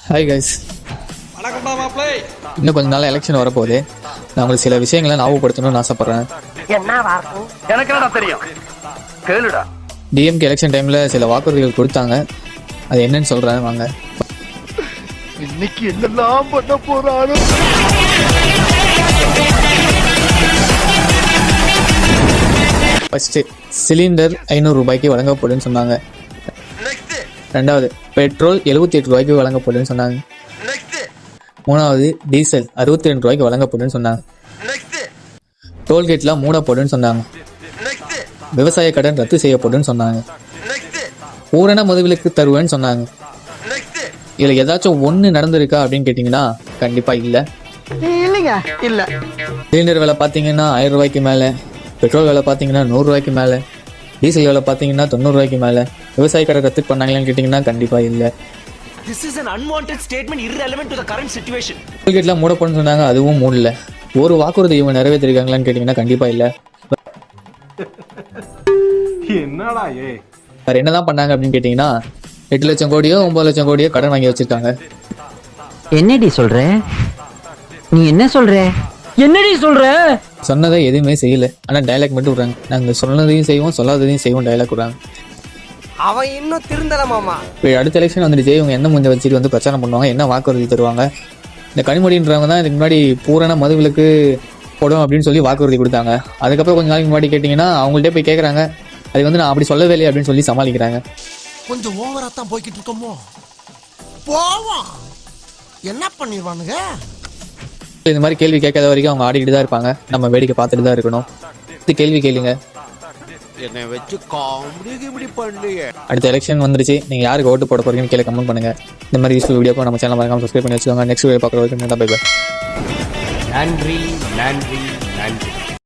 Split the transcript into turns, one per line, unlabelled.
Hi guys,
வணக்கம்டா மாப்ளே.
இன்னும் கொஞ்ச நாள் எலெக்ஷன் வரப்போகுது. நான் உங்களுக்கு சில விஷயங்களை ஞாபகப்படுத்தணும்னு ஆசைப்பட்றேன்.
எனக்கு என்னடா தெரியும், கேளுடா.
டிஎம்கே எலெக்ஷன் டைமில் சில வாக்குறுதிகள் கொடுத்தாங்க. அது என்னன்னு சொல்கிறேன் வாங்க.
இன்னைக்கு என்னெல்லாம் பண்ண போறானோ.
ஃபஸ்ட்டு சிலிண்டர் 500 ரூபாய்க்கு வழங்கப்படும்னு சொன்னாங்க. ரெண்டாவது பெட்ரோல் 78 ரூபாய்க்கு வழங்கப்படும்னு சொன்னாங்க. மூணாவது டீசல் 62 ரூபாய்க்கு வழங்கப்படும்னு சொன்னாங்க. டோல்கேட்லாம் மூடப்படும்னு சொன்னாங்க. விவசாய கடன் ரத்து செய்யப்படும்னு சொன்னாங்க. பூரண மதுவிலக்கு தருவேன்னு சொன்னாங்க. இதில் ஏதாச்சும் ஒன்று நடந்திருக்கா அப்படின்னு கேட்டிங்கன்னா கண்டிப்பாக இல்லை.
இல்லைங்க, இல்லை.
சிலிண்டர் விலை பார்த்தீங்கன்னா 1000 ரூபாய்க்கு மேலே, பெட்ரோல் விலை பார்த்தீங்கன்னா 100 ரூபாய்க்கு மேலே, டீசல் விலை பார்த்தீங்கன்னா 90 ரூபாய்க்கு மேலே. விவசாய கடை ரத்து பண்ணாங்களான்னு கேட்டிங்கன்னா கண்டிப்பாக இல்லை.
This is an unwanted statement irrelevant to the current situation.
டோல்கேட்லாம் மூடப்படும்னு சொன்னாங்க, அதுவும் மூடல. ஒரு வாக்குறுதி இவங்க நிறைவேற்றிருக்காங்களான்னு கேட்டிங்கன்னா கண்டிப்பாக இல்லை.
என்னடா
வேறு என்னதான் பண்ணாங்க அப்படின்னு கேட்டிங்கன்னா 8 லட்சம் கோடியோ 9 லட்சம் கோடியோ கடன் வாங்கி வச்சுருக்காங்க.
என்னடி சொல்ற? நீ என்ன சொல்ற? என்னடி சொல்ற?
சொன்னதை எதுவுமே செய்யலை, ஆனால் டைலாக் மட்டும் விட்றாங்க. நாங்கள் சொன்னதையும் செய்வோம், சொல்லாததையும் செய்வோம் டைலாக் விட்றாங்க.
அவன் இன்னும் திருந்தல மாமா.
இப்போ அடுத்த எலெக்ஷன் வந்துடுச்சு. இவங்க என்ன முஞ்ச வச்சுட்டு வந்து பிரச்சாரம் பண்ணுவாங்க, என்ன வாக்குறுதி தருவாங்க. இந்த கனிமொழின்றவங்க தான் இதுக்கு முன்னாடி பூரண மதுவிலக்கு போடும் அப்படின்னு சொல்லி வாக்குறுதி கொடுத்தாங்க. அதுக்கப்புறம் கொஞ்சம் நாளைக்கு முன்னாடி கேட்டிங்கன்னா அவங்கள்ட்ட போய் கேட்குறாங்க, அது வந்து நான் அப்படி சொல்லவே இல்லை அப்படின்னு சொல்லி சமாளிக்கிறாங்க.
கொஞ்சம் ஓவரா தான் போய்கிட்டு இருக்கோமோ, போவோம், என்ன பண்ணிடுவானுங்க.
இந்த மாதிரி கேள்வி கேட்காத வரைக்கும் அவங்க ஆடிக்கிட்டு தான் இருப்பாங்க. நம்ம வேடிக்கை பார்த்துட்டு தான் இருக்கணும். இது கேள்வி கேளுங்க.
என்னை வச்சு காமெடி இப்படி பண்ணலையே.
அடுத்த எலெக்ஷன் வந்துருச்சு. நீங்கள் யாருக்கு ஓட்டு போட போறீங்கன்னு கீழே கமெண்ட் பண்ணுங்க. இந்த மாதிரி யூஸ்ஃபுல் வீடியோக்கு நம்ம சேனல் மறக்காம சப்ஸ்கிரைப் பண்ணி வச்சுக்கோங்க. நெக்ஸ்ட் வீடியோ பார்க்குற வரைக்கும் பை பை.
நன்றி நன்றி நன்றி.